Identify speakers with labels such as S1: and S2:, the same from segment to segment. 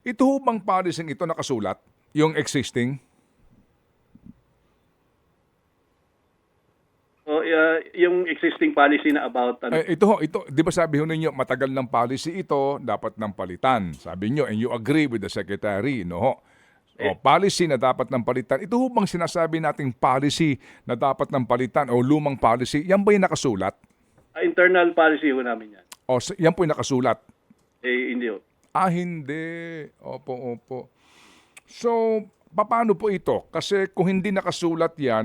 S1: Ito ho bang policy ito nakasulat? Yung existing?
S2: So, yung existing policy na about ano,
S1: Ito, di ba sabi ho ninyo, matagal ng policy ito, dapat ng palitan. Sabi nyo, and you agree with the secretary, no ho? O, policy na dapat ng palitan. Ito ho bang sinasabi nating policy na dapat ng palitan o lumang policy, yan ba yung nakasulat?
S2: internal policy ho namin yan.
S1: O, yan po yung nakasulat?
S2: Hindi ho.
S1: Hindi. Opo. So, paano po ito? Kasi kung hindi nakasulat yan,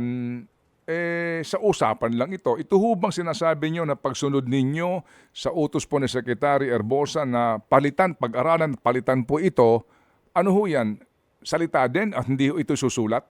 S1: sa usapan lang ito. Ito ho bang sinasabi nyo na pagsunod ninyo sa utos po ni Secretary Herbosa na palitan, pag-aralan, palitan po ito, ano ho yan? Salita din at hindi ho ito susulat?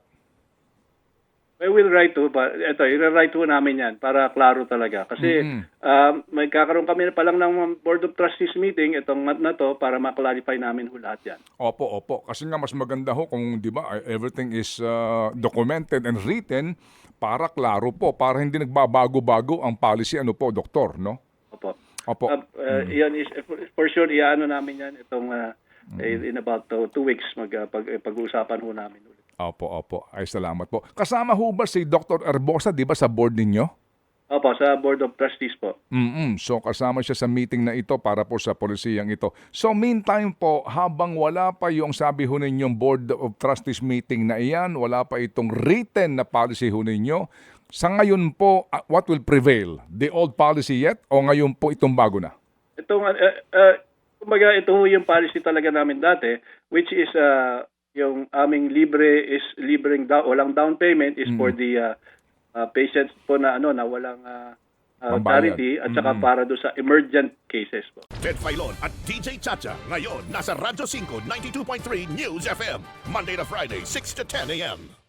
S2: We will write to, i-write to namin yan para klaro talaga. Kasi magkakaroon kami pa lang ng Board of Trustees meeting itong month na to para ma-clarify namin ho lahat yan.
S1: Opo. Kasi nga mas maganda ho kung, di ba, everything is documented and written para klaro po, para hindi nagbabago-bago ang policy, ano po, doktor, no?
S2: Opo. Yan is, for sure, iano namin yan itong in about 2 weeks pag-uusapan ho namin ulit.
S1: Opo. Ay, salamat po. Kasama ho ba si Dr. Herbosa, di ba, sa board ninyo?
S2: Opo, sa Board of Trustees po.
S1: So kasama siya sa meeting na ito para po sa polisiyang ito. So meantime po, habang wala pa yung sabi ho ninyong Board of Trustees meeting na iyan, wala pa itong written na policy ho ninyo, sa ngayon po, what will prevail? The old policy yet o ngayon po itong bago na?
S2: Itong, kumbaga, ito ho yung policy talaga namin dati, which is yung aming walang down payment is for the patients po na na walang charity at saka para do sa emergent cases po.
S3: Ted Filon at DJ Chacha ngayon nasa Radyo 5 92.3 News FM Monday to Friday 6 to 10 a.m.